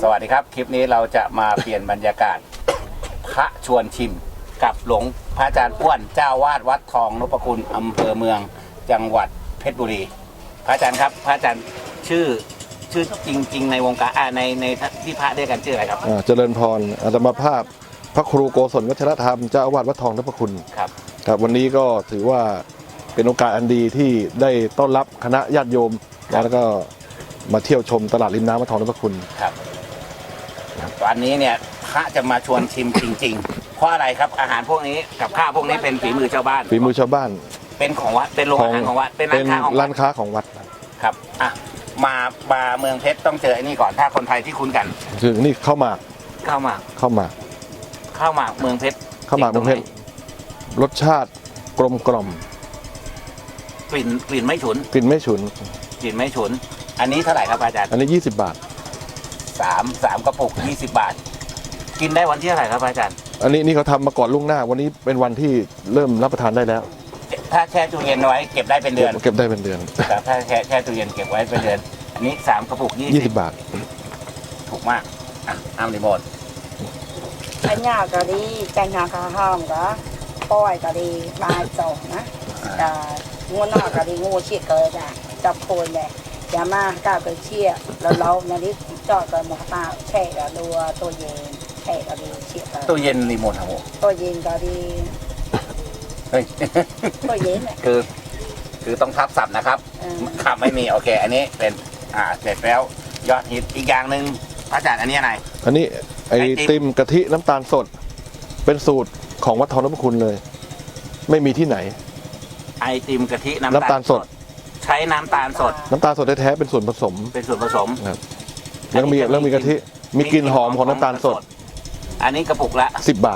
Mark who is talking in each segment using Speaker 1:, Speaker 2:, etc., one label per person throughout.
Speaker 1: สวัสดีครับคลิปนี้เราจะมาเปลี่ยนบรรยากาศพระชวนชิมกับหลวงพระอาจารย์อ้วนเจ้าวาดวัดทองนพคุณอำเภอเมืองจังหวัดเพชรบุรีพระอาจารย์ครับพระอาจารย์ชื่อจริงๆในวงการในที่พระเรียกกันชื่ออะไรครับ
Speaker 2: เจริญพรอาตมาภาพพระครูโกศลวัชรธรรมเจ้าอาวาสวัดทองนพคุณครับวันนี้ก็ถือว่าเป็นโอกาสอันดีที่ได้ต้อนรับคณะญาติโยมแล้วก็มาเที่ยวชมตลาดริมน้ำวัดทองนพคุณ
Speaker 1: ครับวันนี้เนี่ยพระจะมาชวนชิมจริงๆเพราะอะไรครับอาหารพวกนี้กับข้าวพวกนี้เป็นฝีมือชาวบ้าน
Speaker 2: ฝีมือชาวบ้าน
Speaker 1: เป็นของวัดเป็นโรงอาหารของวัดเป็นร้านค้าของวัดครับมาเมืองเพชรต้องเจอไอ้นี่ก่อนถ้าคนไทยที่คุ้นกัน
Speaker 2: คือนี่ข้าวหมาก
Speaker 1: เมืองเพชร
Speaker 2: รสชาติกลมกล่อม
Speaker 1: กลิ่นไม่ฉุนอันนี้เท่าไหร่ครับอาจารย์
Speaker 2: อันนี้20 บาท
Speaker 1: 3กระปุก20 บาทกินได้วันที่เท่าไหร่ครับอาจารย์
Speaker 2: อันนี้เขาทำมาก่อนล่วงหน้าวันนี้เป็นวันที่เริ่มรับประทานได้แล้ว
Speaker 1: ถ้าแช่ตู้เย็นไว้เก็บได้เป็นเดือนถ้าแช่ตู้เย็นเก็บไว้เป็นเดือนอันนี้3กระปุก20 บาทถูกมากอ้ำรีโมท
Speaker 3: อันนี้ก็ดีแกงนาคาห้องก็ป้อยก็ดีบายจงนะงูนอกก็ดีงูเชี่ยเกิดจับโคนเลยอย่ามาก้าวไปเชี่ยเราในนี้จอดกันหมดตาแช่กับตัวเย็นแช่ก็ดีเชี่ย
Speaker 1: ตัวเย็นรีโมทครับผม
Speaker 3: ตัวเย็นก็ดีตัวเย็น
Speaker 1: คือต้องทับศัพท์นะครับครับไม่มีโอเคอันนี้เป็นเสร็จแล้วยอดฮิตอีกอย่างหนึ่งพระอาจารย์อันนี้อะไร
Speaker 2: อันนี้ไอติมกะทิน้ำตาลสดเป็นสูตรของวัดทองนพคุณเลยไม่มีที่ไหน
Speaker 1: ไอติมกะทิน้ำตาลสดใช้น้ำตาลสด
Speaker 2: แท้ๆเป็นส่วนผสมครับแล้วมีกะทิมีกลิ่นหอมของน้ำตาลสด
Speaker 1: อันนี้กระปุกละ
Speaker 2: 10 บาท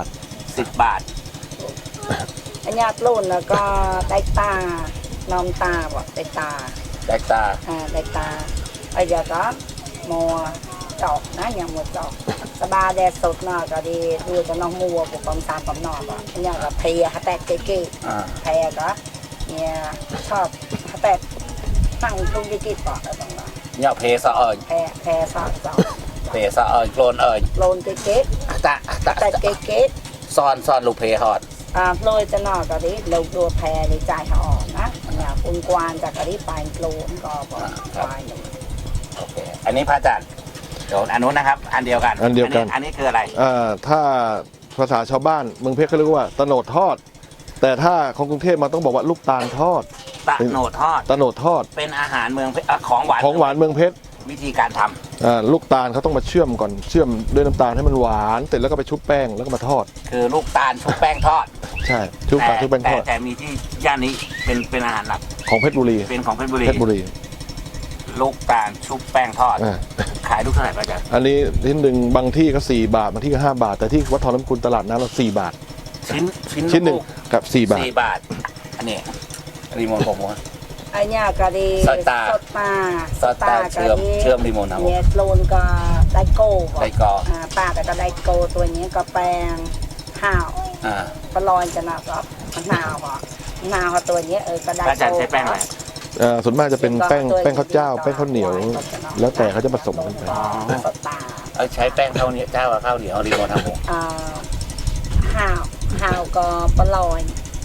Speaker 3: อันนี้ปลุ่นแล้วก็ได้ตาน้ำตาบอกได้ตาไอ้เดี๋ยวก็มัวจอกนะอย่างมัวจอกสบายแดดสดหน่อยก็ดีดูจะน้องมัวปุกความตามความนอนอ่ะอันนี้ก็เพลียแตกเก๊แพรก็เนี่ยชอบแตกตั้งทุ่งกิ๊กปอกอะไรตรงนั้น
Speaker 1: เนี่ยเพสะเอิญ
Speaker 3: แพรสะ
Speaker 1: โคลนเอิญ
Speaker 3: เก๊แต่เก๊
Speaker 1: ซ่อนลูกเพฮอด
Speaker 3: โปรยจะนอกก็ดีเราดูแพรในใจเขาอ่อนนะเนี่ยคุณกวานจากกะดีปลายโกลนก็ปลายหนึ่ง
Speaker 1: โอเคอันนี้พระอาจารย์เดี๋ยวอันนู้นนะครับอันเดียวกันอันนี้คืออะไร
Speaker 2: ถ้าภาษาชาวบ้านเมืองเพชรเขาเรียกว่าตะโนดทอดแต่ถ้าของกรุงเทพมาต้องบอกว่าลูกตาลทอด
Speaker 1: ตะโนดทอดเป็นอาหารเมืองเพชรของหวาน
Speaker 2: เมืองเพชร
Speaker 1: วิธีการท
Speaker 2: ำลูกตาลเขาต้องมาเชื่อมก่อนเชื่อมด้วยน้ำตาลให้มันหวานเสร็จแล้วก็ไปชุบแป้งแล้วก็มาทอด
Speaker 1: คือลูกตาลชุบแป้งทอด
Speaker 2: ใช่ชุบแป้งทอด
Speaker 1: แต่มีที่ย่านนี้เป็นอาหารหลัก
Speaker 2: ของเพชรบุรี
Speaker 1: เป็นของเพชรบุรีลูกตาลชุบแป้งทอดขายลูกเท่าไหร่ป้าจ๊ะ
Speaker 2: อันนี้ชิ้นหนึ่งบางที่ก็4 บาทบางที่ก็5 บาทแต่ที่วัดทองนพคุณตลาดน้ำเรา4 บาทชิ้นหนึ่งกับ4 บาท
Speaker 1: อันนี้รีโมทผมว่า
Speaker 3: อันนี้ก็ดี
Speaker 1: สตาเชื่อมรีโมทนะ
Speaker 3: เนี่ยโลนก็ได้โก้ป้าแต่ก็ได้โก้ตัวนี้ก็แป้งข้าวปลอยจะนับรับนาวตัวนี้ก็ได้
Speaker 1: โก้อาจารย์ใช้แป้งอะไร
Speaker 2: ส่วนมากจะเป็นแป้งข้าวเจ้าแป้งข้าวเหนียวแล้วแต่เขาจะผสมกันไป
Speaker 1: ใช้แป้งข้าวเหนียวเจ้ากับข้าวเหนียวรีโมททำผม
Speaker 3: ข้าวก็ปลอย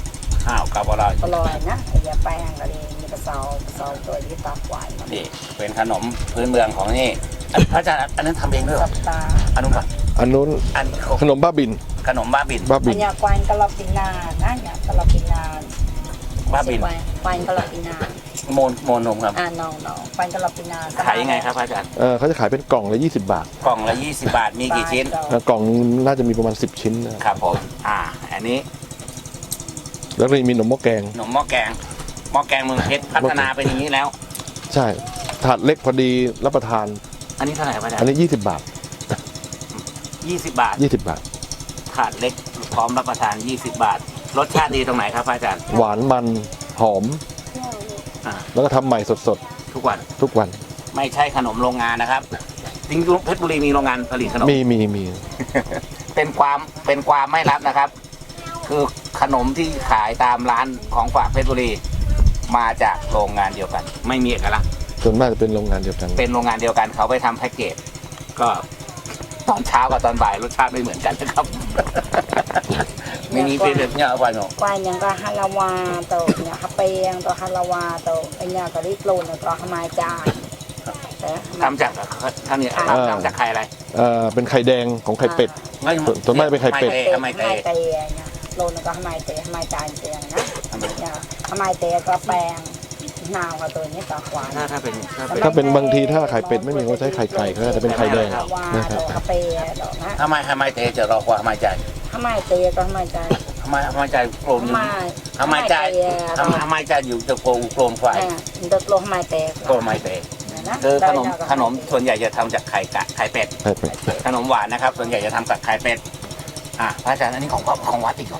Speaker 3: นะอย่าแป้งก็ดีมีกระเซาตัวที่ตาควาย
Speaker 1: นี่เป็นขนมพื้นเมืองของนี่พระอาจารย์อันนั้นทำเองด้วยหรออันนู้น
Speaker 2: ขนมบ้าบิน
Speaker 3: อันนี้ควายกะลาปินานะเนี่ยกะลาปินา
Speaker 1: บ้าบิน
Speaker 3: ควายกะลาปินา
Speaker 1: โมนมครับ
Speaker 3: น้องควายกะลาปินา
Speaker 1: ขายยังไงครับอาจารย์
Speaker 2: เขาจะขายเป็นกล่องละ20 บาท
Speaker 1: กล่องละ20 บาทมีกี่ชิ้น
Speaker 2: กล่องน่าจะมีประมาณ10 ชิ้น
Speaker 1: ครับผมอันนี้
Speaker 2: แล้วก็มีหนมหม้อแกง
Speaker 1: เมืองเพชรพัฒนาเป็นอย่างนี้แล้ว
Speaker 2: ใช่ถาดเล็กพอดีรับประทาน
Speaker 1: อันนี้เท่าไหร่ครับอาจารย์
Speaker 2: อันนี้20 บาท
Speaker 1: 20 บาทถาดเล็กพร้อมรับประทาน20 บาทรสชาติดีตรงไหนครับอาจารย์
Speaker 2: หวานมันหอมแล้วก็ทำใหม่สด
Speaker 1: ทุกวันไม่ใช่ขนมโรงงานนะครับจริงๆเพชรบุรีมีโรงงานผลิตขนม
Speaker 2: มี
Speaker 1: เป็นความไม่ลับนะครับคือขนมที่ขายตามร้านของฝากเพชรบุรีมาจากโรงงานเดียวกันไม่มีเอกลักษณ์
Speaker 2: ส่วนมากจะเป็นโรงงานเดียวกัน
Speaker 1: เขาไปทำแพ็กเกจก็ตอนเช้ากับตอนบ่ายรสชาติไม่เหมือนกันนะครับ มีเป็นแบบเนี้ยเอาไปเนาะ
Speaker 3: quay những cái halawa tàu nhà hấp bèn tàu halawa tàu anh nhà cái đi lồn tàu hầm mai chai
Speaker 1: ทำจากทำเนี่ยทำจากไข่อะไร
Speaker 2: เป็นไข่แดงของไข่เป็ด ส่วนมากเป็นไข่เป็ด
Speaker 1: ทำไมเตะ
Speaker 3: hai tè nha lồn có hầm mai chai tiền nhá nhà hầm mai tè có bèn nào cả tôi nhé có quán
Speaker 1: ถ้าเป็น
Speaker 2: ถ้าเป็นบางทีถ้าไข่เป็ดไม่มีก็ใช้ไข่ไก่ก็จะเป็นไข่แดง
Speaker 3: halawa tàu hấp bèn đó á
Speaker 1: ทำไมเตะจะรอกว่าทำไมใจ
Speaker 3: hầm mai tè có hầm mai chai
Speaker 1: ทำไมใจโกรธอยู่ทำไมใจอยู่จะโกรธไฟ
Speaker 3: được luôn hầm mai tè
Speaker 1: โกรธไม่เตะคือขนมส่วนใหญ่จะทำจากไข่เป็ด
Speaker 2: ไข่เป็ด
Speaker 1: ขนมหวานนะครับ ส่วนใหญ่จะทำจากไข่เป็ดพระอาจารย์อันนี้ของวัดอีกเหรอ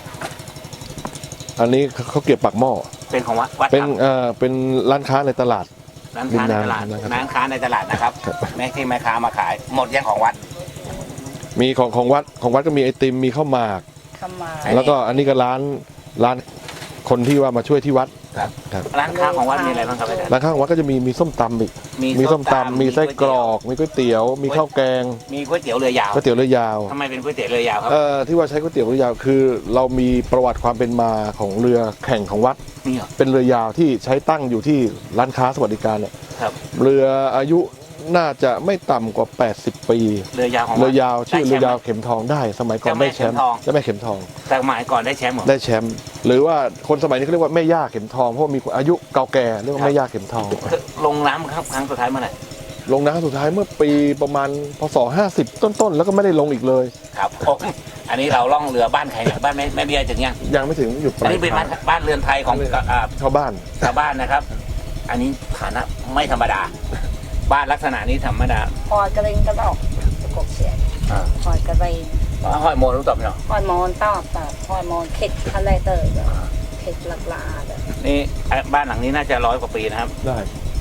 Speaker 2: อันนี้เขาเก็บปากหม้อ
Speaker 1: เป็นของวัด
Speaker 2: เป็นร้านค้าในตลาด
Speaker 1: ร้านค้าในตลาดนะครับแม่ที่แม่ค้ามาขายหมดยังของวัด
Speaker 2: มีของวัดก็มีไอติมมีข้าวหมาก
Speaker 3: เข้ามา
Speaker 2: แล้วก็อันนี้ก็ร้านคนที่ว่ามาช่วยที่วัด
Speaker 1: ร้านค้าของวัดมีอะไรบ้างครับอาจารย์
Speaker 2: ร้านข้างวัดก็จะมีส้มตำอีกมีส้มตำมีไส้กรอกมีก๋วยเตี๋ยวมีข้าวแกง
Speaker 1: มีก๋วยเตี๋ยวเรือยาว
Speaker 2: ก๋วยเตี๋ยวเรือยาว
Speaker 1: ทำไมเป็นก๋วยเตี๋ยวเรือยาวครับ
Speaker 2: ที่ว่าใช้ก๋วยเตี๋ยวเรือยาวคือเรามีประวัติความเป็นมาของเรือแข่งของวัด
Speaker 1: นี่เหรอ
Speaker 2: เป็นเรือยาวที่ใช้ตั้งอยู่ที่ร้านค้าสวัสดิการเนี่ย
Speaker 1: ครับ
Speaker 2: เรืออายุน่าจะไม่ต่ำกว่า80 ปี
Speaker 1: เรือยาวของวัด
Speaker 2: เรือยาวชื่อเรือยาวเข็มทองได้สมัยก่อนได้แชมป์
Speaker 1: เจ้าแม่เข็มทอง
Speaker 2: เจ้าแม่เข็มทอง
Speaker 1: แต่สมัยก่อนได้แชมป์เหรอ
Speaker 2: ได้แชมป์หรือว่าคนสมัยนี้เขาเรียกว่าแม่ย่าเข็มทองเพราะว่ามีอายุเก่าแก่เรียกว่าแม่ย่าเข็มทอง
Speaker 1: ลงน้ำครับครั้งสุดท้ายเมื่อไหร่
Speaker 2: ลงน้ำสุดท้ายเมื่อปีประมาณพศ50ต้นๆแล้วก็ไม่ได้ลงอีกเลย
Speaker 1: ครับผมอันนี้เราล่องเรือบ้านใครเนี่ยบ้านแม่เบี้ยถึงยัง
Speaker 2: ยังไม่ถึงอยู่ป
Speaker 1: อัน
Speaker 2: ลาย
Speaker 1: นี้เป็นบ้านเรือนไทยของ
Speaker 2: ชาวบ้าน
Speaker 1: ชาวบ้านนะครับ อันนี้ฐานะไม่ธรรมดา บ้านลักษณะนี้ธรรมดา
Speaker 3: หอยกระเด้งกระดอกกบเสียหอยกระเด้ง
Speaker 1: ห้อยโมรู้ตอบเนาะ
Speaker 3: หอยมอนตอบหอยมอนเข็ดอะไรเตอร์เข็ดหลักลาเด้อ
Speaker 1: นี่บ้านหลังนี้น่าจะ100 กว่าปีนะครับ
Speaker 2: ได้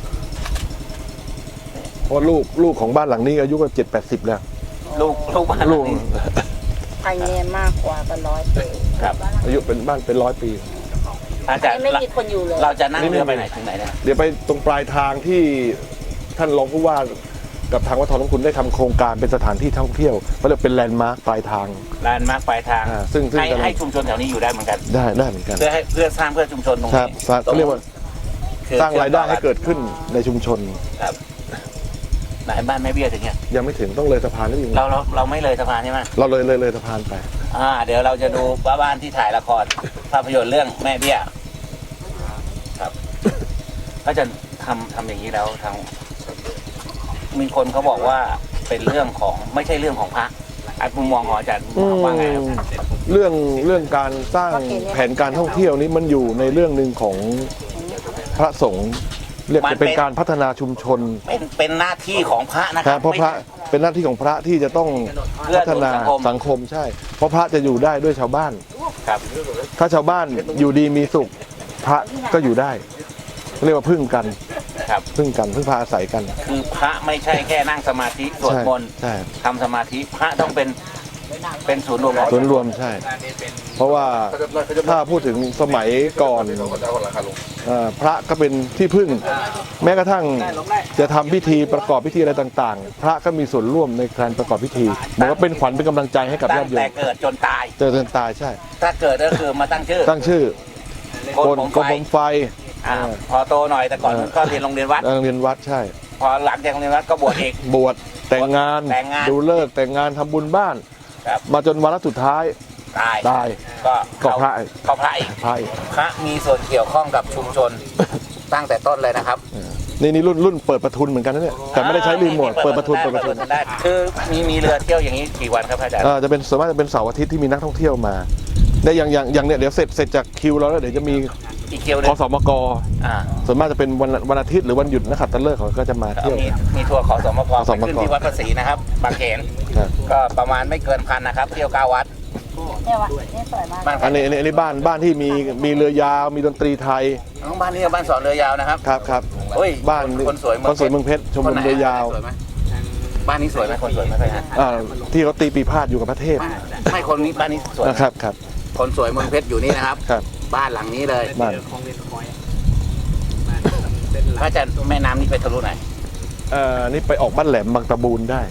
Speaker 2: เพราะลูกของบ้านหลังนี้อายุก็70-80แล้ว
Speaker 1: ลูกบ้านหลั
Speaker 2: ลู
Speaker 1: ง
Speaker 2: ก
Speaker 1: นี้
Speaker 3: ภายในมากกว่าเป็น100 ปี
Speaker 1: ครับ
Speaker 2: อายุเป็นบ้านเป็น100 ปี
Speaker 1: อาจารย์
Speaker 3: ไม่มีคนอยู่เลย
Speaker 1: เราจะนั่งเรือไปไหนถึงไหนเนี่ย
Speaker 2: เดี๋ยวไปตรงปลายทางที่ท่านรองผู้ว่ากับทางวัดทองน้ำคุณได้ทำโครงการเป็นสถานที่ท่องเที่ยวเขาเรียกเป็นแลนด์มาร์คปลายทาง
Speaker 1: ลานมาร์คปลายทาง
Speaker 2: ซึ่ง
Speaker 1: ให้ชุมชนแถวนี้อยู่ได้เหมือนกัน
Speaker 2: ได้เหมือนกัน
Speaker 1: เพื่อสร้างเพื่อชุมชนตรง
Speaker 2: ครับ
Speaker 1: นี้
Speaker 2: เขาเรียกว่าสร้างรายได้ให้เกิดขึ้นในชุมชน
Speaker 1: ครับไหนบ้านแม่เบี้ยถึงเนี่ย
Speaker 2: ยังไม่ถึงต้องเลยสะพานนิดนึง
Speaker 1: เราไม่เลยสะพานใช่ไหม
Speaker 2: เราเลยสะพานไป
Speaker 1: เดี๋ยวเราจะดูบ้านที่ถ่ายละครภาพยนตร์เรื่องแม่เบี้ยครับ ก็จะทำอย่างนี้แล้วมีคนเขาบอกว่าเป็นเรื่องของไม่ใช่เรื่องของพระมุมมองของอาจารย์ว่าไงครับ
Speaker 2: เรื่องการสร้างแผนการท่องเที่ยวนี้มันอยู่ในเรื่องหนึ่งของพระสงฆ์เรียกจะเป็นการพัฒนาชุมชน
Speaker 1: เป็นหน้าที่ของพระนะค
Speaker 2: ค
Speaker 1: รั
Speaker 2: รั
Speaker 1: บบ
Speaker 2: เพราะพระเป็นหน้าที่ของพระที่จะต้องพัฒนาสังคมใช่ เพราะพระจะอยู่ได้ด้วยชาวบ้าน
Speaker 1: ครับ
Speaker 2: ถ้าชาวบ้านอยู่ดีมีสุขพระก็อยู่ได้เรียกว่าพึ่งกัน
Speaker 1: ครับ
Speaker 2: พึ่งพาอาศัยกัน
Speaker 1: คือพระไม่ใช่แค่นั่งสมาธิสวดมนต์
Speaker 2: ใช่
Speaker 1: ทำสมาธิพระต้องเป็นศูนย์รวมของ
Speaker 2: ส่วนรวมใช่ เพราะว่าถ้าพูดถึงสมัยก่อนพระก็เป็นที่พึ่ง แม้กระทั่งจะทำพิธีประกอบพิธีอะไรต่างๆ พระก็มีส่วนร่วมในการประกอบพิธีเหมือนว่าเป็นขวัญเป็นกำลังใจให้กับ
Speaker 1: ตั้
Speaker 2: ญาง ติโย
Speaker 1: แต่
Speaker 2: ม
Speaker 1: เกิดจนตาย
Speaker 2: เจนตายใช่
Speaker 1: ถ้าเกิดก็คือมาตั้งชื่อ
Speaker 2: ตั้งชื่อ
Speaker 1: โกนผม
Speaker 2: กรม
Speaker 1: ไฟ
Speaker 2: ผมไฟ
Speaker 1: พอโตหน่อยแต่ก่อนก็เรียนโรงเรียนวัด
Speaker 2: โรงเรียนวัดใช่
Speaker 1: พอหลังจากโรงเรียนวัดก็บวชอีก
Speaker 2: บวชแต่งงาน
Speaker 1: แต่งงาน
Speaker 2: ดูเลิกษ์แต่งงานทำบุญบ้าน
Speaker 1: ครับ
Speaker 2: มาจนวาระสุดท้าย ตาย
Speaker 1: ก็
Speaker 2: ก็พระ
Speaker 1: ก็พระอีก
Speaker 2: พระอีก
Speaker 1: พระมีส่วนเกี่ยวข้องกับชุมชน ตั้งแต่ต้นเลยนะครับ
Speaker 2: นี่รุ่นเปิดประทุนเหมือนกันนะเนี่ยแต่ไม่ได้ใช้รีโมทเปิดประทุน
Speaker 1: ได้คือมีเรือเที่ยวอย่างนี้กี่วันครับอาจารย์
Speaker 2: จะเป็นส่วนมากจะเป็นเสาร์อาทิตย์ที่มีนักท่องเที่ยวมาได้อย่างเนี่ยเดี๋ยวเสร็จจากคิวเราแล้วเดี๋ยวจะมี
Speaker 1: อีกเที่ยวหนึ
Speaker 2: ค
Speaker 1: ง
Speaker 2: สมก
Speaker 1: อ่า
Speaker 2: ส่วนมากจะเป็นวันอาทิตย์หรือวันหยุดนักขัตฤกษ์เขาก็จะมาเที่ยว
Speaker 1: มีทัวร์ขอสมก
Speaker 2: ขอสมก
Speaker 1: ไปขึ้นที่วัดพระศรีนะครับบางเขน
Speaker 2: ครับ
Speaker 1: ก็ประมาณไม่เกิน1,000นะครับเที่ยว9 วัด
Speaker 3: เนี่ยว่ะนี่สวยมาก
Speaker 1: บ้าน
Speaker 2: อันนี้บ้านที่มีเรือยาวมีดนตรีไทย
Speaker 1: บ้านนี้บ้านสอนเรือยาวนะครับ
Speaker 2: ครับ
Speaker 1: เฮ้ย
Speaker 2: บ้าน
Speaker 1: คนสวย
Speaker 2: เมืองเพชรชมรมเรือยาว
Speaker 1: สวยไหมบ้านนี้สวยไหมคนสวยไหมครับ
Speaker 2: ที่เขาตีปีพาดอยู่กับพระเทพ
Speaker 1: ไม่คนนี้บ้านนี้สวย
Speaker 2: ครับ
Speaker 1: คนสวยเมืองเพชรอยู่นี่นะครับ
Speaker 2: ครับ
Speaker 1: บ้านหลังนี้เลย
Speaker 2: บ้าน
Speaker 1: พระอาจารย์แม่น้ำนี่ไปทะลุไหน
Speaker 2: นี่ไปออกบ้านแหลมบางตะบูนได้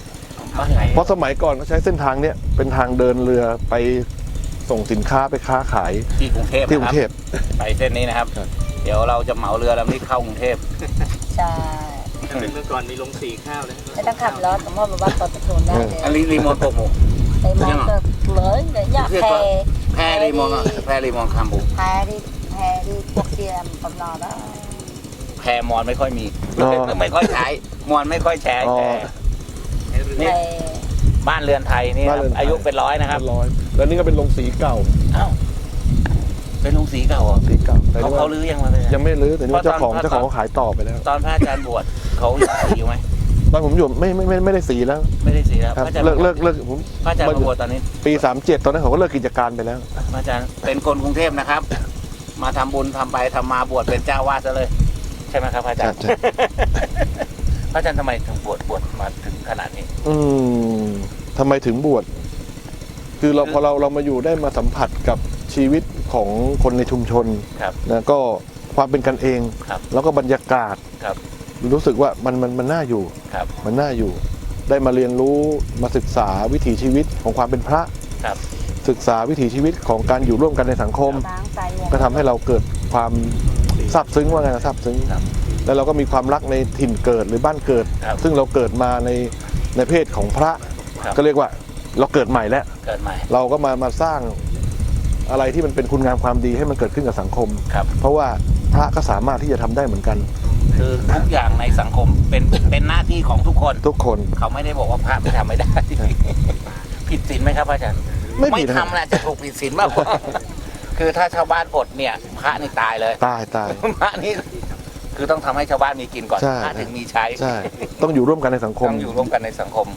Speaker 1: บ้านไหน
Speaker 2: เพราะสมัยก่อนเขาใช้เส้นทางเนี้ยเป็นทางเดินเรือไปส่งสินค้าไปค้าขาย
Speaker 1: ที่กรุงเทพ
Speaker 2: ที่กรุงเทพ
Speaker 1: ไปเส้นนี้นะครับ
Speaker 2: ครับ
Speaker 1: เดี๋ยวเราจะเหมาเรือลำนี้เข้ากรุงเทพ
Speaker 3: ใช่
Speaker 4: เมื่อก่อนมีลงสีข้าวนะ
Speaker 3: ไม่ต้องขับรถผมว่าบ้านต่อตะทูนได้เลย
Speaker 1: อันนี้รีโมทโปรโม
Speaker 3: ไปมองก็เลยเนี่ยอยากแพ
Speaker 1: แพรรีโมทอะแพรรีโมทคำบุ
Speaker 3: แพที่พวกเทียมกำนอนแล้ว
Speaker 1: แพรมอนไม่ค่อยมี
Speaker 2: อ๋อ
Speaker 1: ไม่ค่อยใช้มอนไม่ค่อยแชร์
Speaker 2: อ๋อ
Speaker 1: แพร
Speaker 3: แพ
Speaker 1: นี่บ้านเรือนไทยนี่
Speaker 2: บ้านเรือนไทย
Speaker 1: อายุเป็นร้อยนะครับ
Speaker 2: ร้อยแล้วนี่ก็เป็นโรงสีเก่า
Speaker 1: อ้าวเป็นโรงสีเก่าเหรอ
Speaker 2: สีเก่าแต่
Speaker 1: เขา
Speaker 2: นี่ว่า
Speaker 1: เขาลื้อยังมาเลย
Speaker 2: ยังไม่รื้อแต่นี่ว่า
Speaker 1: เพราะตอน
Speaker 2: เจ้าของเขาขายต่อไปแล้ว
Speaker 1: ตอนพระอาจารย์บวชเขายังสีอยู่ไหม
Speaker 2: ตอนผมอยู่ไม่ได้สีแล้ว
Speaker 1: ไม่ได้สีแล้ว
Speaker 2: ครับ
Speaker 1: พระอาจารย์
Speaker 2: เลิกผม
Speaker 1: พระอาจารย์มาบวชตอนนี้
Speaker 2: ปี37ตอนนั้นเขาก็เลิกกิจการไปแล้ว
Speaker 1: พระอาจารย์เป็นคนกรุงเทพนะครับ มาทำบุญทำไปทำมาบวชเป็นเจ้าวาดซะเลย ใช่ไหมครับพระอาจารย์
Speaker 2: ใช่
Speaker 1: พระอาจารย์ทำไมถึงบวชมาถึงขนาดนี้
Speaker 2: ทำไมถึงบวชคือพอเรามาอยู่ได้มาสัมผัสกับชีวิตของคนในชุมชน
Speaker 1: ครับ
Speaker 2: นะก็ความเป็นกันเอง
Speaker 1: ครับ
Speaker 2: แล้วก็บรรยากาศ
Speaker 1: ครับ
Speaker 2: รู้สึกว่ามันน่าอยู่
Speaker 1: ครับ
Speaker 2: มันน่าอยู่ ได้มาเรียนรู้มาศึกษาวิถีชีวิตของความเป็นพระ
Speaker 1: ครับ
Speaker 2: ศึกษาวิถีชีวิตของการอยู่ร่วมกันในสังคม
Speaker 3: ล้างใจวง
Speaker 2: ก็ทำให้เราเกิดความซาบซึ้งว่าไงนะซาบซึ้ง
Speaker 1: ครับ
Speaker 2: แล้วเราก็มีความรักในถิ่นเกิดหรือบ้านเกิด
Speaker 1: ครับ
Speaker 2: ซึ่งเราเกิดมาในเพศของพระ
Speaker 1: ครับ
Speaker 2: ก็เรียกว่าเราเกิดใหม่แล้ว
Speaker 1: เกิดใหม่
Speaker 2: เราก็มาสร้างอะไรที่มันเป็นคุณงามความดีให้มันเกิดขึ้นกับสังคม
Speaker 1: ครับ
Speaker 2: เพราะว่าพระก็สามารถที่จะทำได้เหมือนกัน
Speaker 1: คือทุกอย่างในสังคมเป็นหน้าที่ของทุกคน
Speaker 2: ทุกคน
Speaker 1: เขาไม่ได้บอกว่าพระไม่ทำไม่ได้ ผิดศีลไหมครับพระอาจารย์
Speaker 2: ไม่ผิดนะ
Speaker 1: ทำแหละจะถูกผิดศีลมากกว่า คือถ้าชาวบ้านอดเนี่ยพระนี่ตายเลย
Speaker 2: ตาย
Speaker 1: พระนี่คือต้องทำให้ชาวบ้านมีกินก่อน
Speaker 2: ใช่
Speaker 1: พระถึงมีใช้
Speaker 2: ใช่ ต้องอยู่ร่วมกันในสังคม
Speaker 1: ต้องอยู่ร่วมกันในสังคม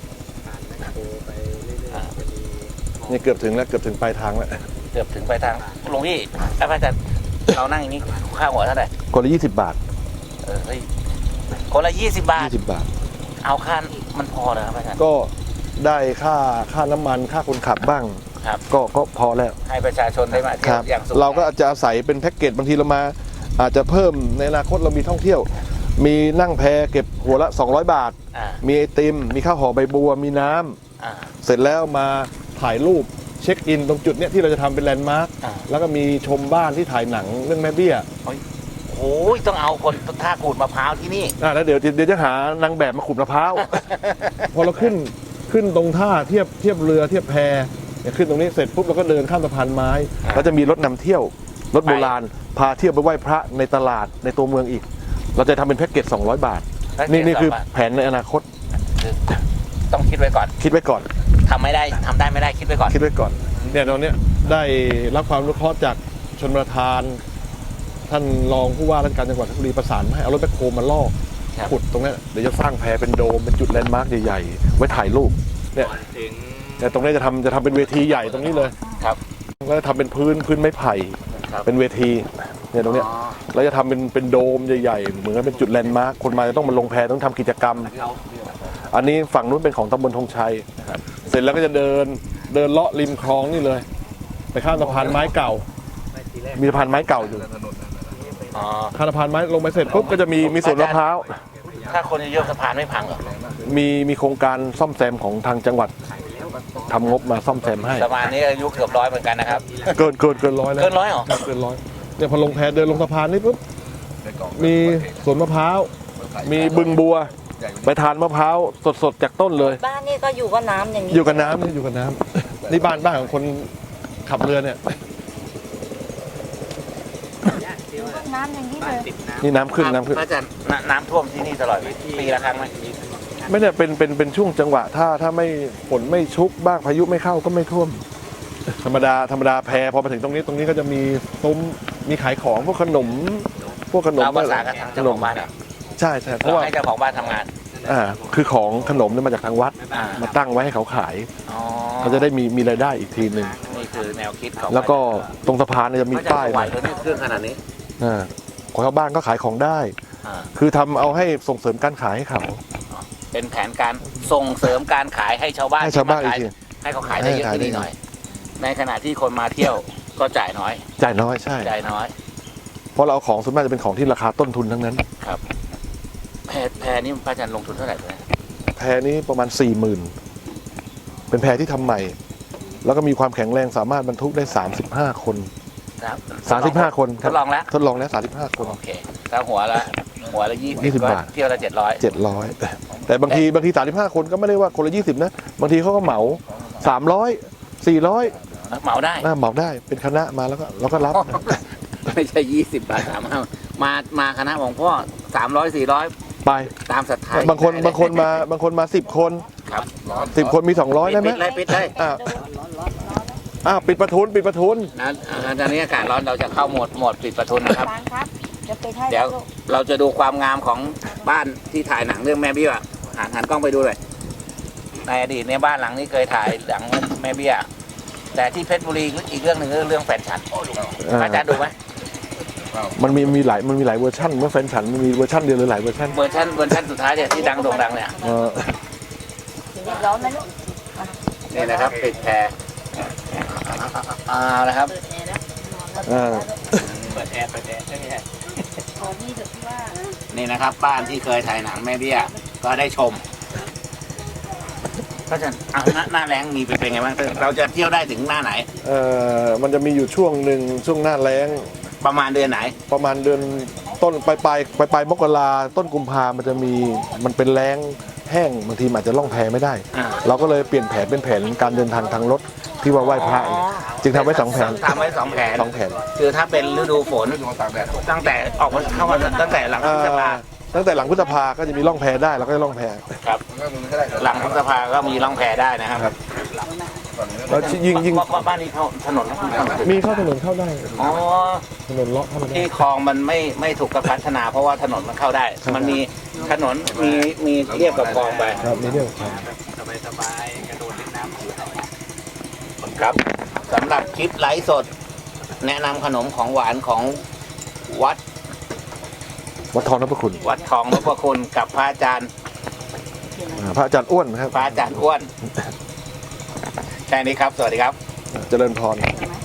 Speaker 2: นี่เกือบถึงแล้วเกือบถึงปลายทางแล้ว
Speaker 1: เกือบถึงไปทางหลวงพี่พระอาจารย์เรานั่งอย่างนี้ค่าหัวเท่าไหร่
Speaker 2: คนละ20 บาท
Speaker 1: เฮ้ยคนละ20 บาท
Speaker 2: 20 บาท
Speaker 1: เอาค่ามันพอเลยครับพระอาจารย์
Speaker 2: ก็ได้ค่าน้ำมันค่าคนขับบ้าง
Speaker 1: ครับ
Speaker 2: ก็พอแล้ว
Speaker 1: ให้ประชาชนได้มาเที่
Speaker 2: ค
Speaker 1: ย
Speaker 2: รั
Speaker 1: ว
Speaker 2: บ
Speaker 1: อย่างสุข
Speaker 2: เราก็อาจจะอาศัยเป็นแพ็กเกจบางทีเรามา อาจจะเพิ่มในอนาคตเรามีท่องเที่ยว มีนั่งแพเก็บหัวละ200 บาท
Speaker 1: อ่า
Speaker 2: มีไอติม มีข้าวห่อใบบัว มีน้ำ
Speaker 1: อ่า
Speaker 2: เสร็จแล้วมาถ่ายรูปเช็คอินตรงจุดเนี้ยที่เราจะทำเป็นแลนด์มาร์ค
Speaker 1: อ่า
Speaker 2: แล้วก็มีชมบ้านที่ถ่ายหนังเรื่องแม่เบี้ย
Speaker 1: โอ้ยต้องเอาคนท่าขูดมะพร้าวที่นี่
Speaker 2: แล้วเดี๋ยวจะหานางแบบมาขุดมะพร้าว พอเราขึ้นตรงท่าเทียบเรือเทียบแพเนี่ยขึ้นตรงนี้เสร็จปุ๊บเราก็เดินข้ามสะพานไม้
Speaker 1: อ่า
Speaker 2: แล้วจะมีรถนำเที่ยวรถโบราณพาเที่ยวไปไหว้พระในตลาดในตัวเมืองอีก เราจะทำเป็นแพ็กเกจ200 บาท นี่คือแผนในอนาคต
Speaker 1: คือต้องคิดไว้ก่อน
Speaker 2: คิดไว้ก่อน
Speaker 1: ทำได้ไม่ได้คิดไว้ก่อน
Speaker 2: คิดไว้ก่อนเนี่ยตอนเนี้ยได้รับความรู้เคราะห์จากชนประทาน ท่านรองผู้ว่าราชการจังหวัดเพชรบุรีประสานให้เอารถแบ็คโฮมาลอก
Speaker 1: ครับ
Speaker 2: ขุดตรงเนี้ยเดี๋ยวจะสร้างแพเป็นโดมเป็นจุดแลนด์มาร์คใหญ่ๆไว้ถ่ายรูปเนี่ย
Speaker 4: ถึง
Speaker 2: แต่ตรงนี้จะทำเป็นเวทีใหญ่ตรงนี้เลย
Speaker 1: ครับ
Speaker 2: แล้วจะทำเป็นพื้นไม้ไผ่
Speaker 1: ครับ
Speaker 2: เป็นเวทีเนี่ยตรงเนี้ย
Speaker 1: อ๋อ
Speaker 2: แล้วจะทำเป็นโดมใหญ่ๆเหมือนกับเป็นจุดแลนด์มาร์คคนมาจะต้องมาลงแพต้องทำกิจกรรม อันนี้ฝั่งนู้นเป็นของตำบลธงชัยเสร็จแล้วก็จะเดินเลาะริมคลองนี่เลย ไปข้ามสะพานไม้เก่า มีสะพานไม้เก่าอยู่
Speaker 1: อ๋อ
Speaker 2: ข้ามสะพานไม้ลงไปเสร็จปุ๊บก็จะมีสวนมะพร้าว
Speaker 1: ถ้าคนเยอะๆสะพานไม่พังเหรอ
Speaker 2: มีโครงการซ่อมแซมของทางจังหวัดทำงบมาซ่อมแซมให้
Speaker 1: สะพานนี้อายุเกือบ100เหมือนกันนะครับ
Speaker 2: เกินร้อยแล้ว
Speaker 1: เกิน100เหรอ
Speaker 2: เกินร้อยเนี่ยพอลงแพเดินลงสะพานนี่ปุ๊บมีสวนมะพร้าวมีบึงบัว ไปทานมะพร้าวสดๆจากต้นเลย
Speaker 3: บ้านนี่ก็อยู่กับน้ำอย่างนี้
Speaker 2: อยู่กับน้ำนี่อยู่กับน้ำนี่บ้านของคนขับเรือเนี่ย
Speaker 3: อยู่กับน้ำอย่างนี้เลย
Speaker 2: นี่น้ำขึ้น
Speaker 1: พระอาจารย์น้ำท่วมที่นี่ตลอดไหมปีละครั้งไหม
Speaker 2: ไม่เนี่ยเป็นช่วงจังหวะถ้าไม่ฝนไม่ชุกบ้างพายุไม่เข้าก็ไม่ท่วม ธรรมดาแพพอมาถึงตรงนี้ก็จะมีซุ้มมีขายของพวกขนม
Speaker 1: เราประสานกับทางเจ้าของบ้านเหรอ
Speaker 2: ใช่เพราะ
Speaker 1: เรา
Speaker 2: ว่า
Speaker 1: ให้เจ้าของบ้านทำงาน
Speaker 2: คือของขนมเนี่ยมาจากทางวัด
Speaker 1: อ่า
Speaker 2: มาตั้งไว้ให้เขาขาย
Speaker 1: อ๋อ
Speaker 2: เขาจะได้มีรายได้อีกทีหนึ่ง
Speaker 1: นี่คือแนวคิดของ
Speaker 2: แล้วก็ตรงสะพานเนี่ยจะมี
Speaker 1: พระอาจาร
Speaker 2: ป้าย
Speaker 1: ย์ไหวเลยเนี่ยเครื่องขนาดนี้
Speaker 2: ของชาวบ้านก็ขายของได้
Speaker 1: อ่า
Speaker 2: คือทำเอาให้ส่งเสริมการขายให้เขา
Speaker 1: เป็นแผนการส่งเสริมการขายให้ชาวบ้าน
Speaker 2: ให้ชาวบ้าน
Speaker 1: ที่ม
Speaker 2: อีกที
Speaker 1: ให้เขาขายได้เยอะขึ้น
Speaker 2: ให้ขายได้
Speaker 1: นิดหน่อย ในขณะที่คนมาเที่ยวก็จ่ายน้อย
Speaker 2: จ่ายน้อยใช่
Speaker 1: จ่ายน้อย
Speaker 2: เพราะเราเอาของส่วนมากจะเป็นของที่ราคาต้นทุนทั้งนั้น
Speaker 1: แพรนี่พระอาจารย์ลงทุนเท่าไหร่เลย
Speaker 2: แพพนี้ประมาณ 40,000 เป็นแพที่ทำใหม่ แล้วก็มีความแข็งแรงสามารถบรรทุกได้ 35 คน
Speaker 1: ครับ
Speaker 2: 35 คนค
Speaker 1: ท
Speaker 2: รับ
Speaker 1: ดลองแล้ว
Speaker 2: ทดลองแล้ว 35 คน
Speaker 1: โอเคถ้าหัวละ20
Speaker 2: 20
Speaker 1: ก็
Speaker 2: บาท
Speaker 1: เที่ยวละ700
Speaker 2: 700 แต่บางที35 คนก็ไม่ได้ว่าคนละ20นะบางทีเขาก็เหมา 300 400
Speaker 1: เหมาได้
Speaker 2: เหมาได้เป็นคณะมาแล้วก็เราก็รับ
Speaker 1: ไม่ใช่20 บาทมาคณะของพ่อ300 400
Speaker 2: ไป
Speaker 1: ตามศรัทธา
Speaker 2: บางคนมา10 คน
Speaker 1: ครับ
Speaker 2: 10 คนมี 200 ได้ไหม
Speaker 1: ปิดเลย
Speaker 2: ปิดประทุน
Speaker 1: นะตอนนี้อากาศร้อนเราจะเข้าโหมดปิดประทุนนะครับ
Speaker 3: ครับจะไปให้
Speaker 1: เดี๋ยวเราจะดูความงามของบ้านที่ถ่ายหนังเรื่องแม่เบี้ยหันกล้องไปดูเลยในอดีตเนี่ยบ้านหลังนี้เคยถ่ายหลังแม่เบี้ยแต่ที่เพชรบุรีอีกเรื่องหนึ่งเรื่องแฟนฉันอาจารย์ดูไหม
Speaker 2: มันมีหลายเวอร์ชันเมื่อแฟนฉันมันมีเวอร์ชันเดียวหรือหลายเวอร์ชัน
Speaker 1: เวอร์ชันสุดท้ายเนี่ยที่ดังโด่งดังเนี่ย
Speaker 3: ร้อนไหมลูก
Speaker 1: นี่นะครับปิดแพรนะครับ
Speaker 4: เปิดแอร์ใช่ไหมฮะ
Speaker 3: ขอนี่เถอะที่ว่า
Speaker 1: นี่นะครับบ้านที่เคยถ่ายหนังแม่เบี้ยก็ได้ชมก็จะหน้าแรงมีเป็นไงบ้างเราจะเที่ยวได้ถึงหน้าไหน
Speaker 2: มันจะมีอยู่ช่วงหนึ่งช่วงหน้าแล้ง
Speaker 1: ประมาณเดือนไหน
Speaker 2: ประมาณเดือนต้นปลายมกราต้นกุมภามันเป็นแล้งแห้งบางทีอาจจะล่องแพไม่ได้ เราก็เลยเปลี่ยนแผนเป็นแผนการเดินทางทางรถที่ว่าไหว้พระจึงทำไว้2 แผน
Speaker 1: ทำไว้2 แผน
Speaker 2: 2 แผน
Speaker 1: คือถ้าเป็นฤดูฝนตั้งแต่ออกมาเข้ามาตั้งแต่หลังพฤษภา
Speaker 2: ตั้งแต่หลังพฤษภาก็จะมีล่องแพได้เราก็จะล่องแพ
Speaker 1: ครับหลังพฤษภาก็มีล่องแพได้นะครับ
Speaker 2: แล้วยิ่ง
Speaker 1: บ้านนี้เข้าถนน
Speaker 2: มีเข้าถนนเข้าได้
Speaker 1: อ๋อ
Speaker 2: ถนนเลาะเข้ามาได้
Speaker 1: ที่คลองมันไม่ถูกพัฒนาเพราะว่าถนนมันเข้าได้ มันมีถนนมีเทียบกับคลองไป
Speaker 2: ครับมีเรื่องครับ
Speaker 4: สบายกระโดดเล่นน้ำ
Speaker 1: ครับสำหรับคลิปไลฟ์สด แนะนำขนมของหวานของวัด
Speaker 2: วัดทองนพคุณ
Speaker 1: วัดทองนพคุณกับพระอาจารย์
Speaker 2: พระอาจารย์อ้วนครับ
Speaker 1: พระอาจารย์อ้วนแค่นี้ครับ สวัสดีครับ
Speaker 2: เจริญพร
Speaker 3: ใช่ไหม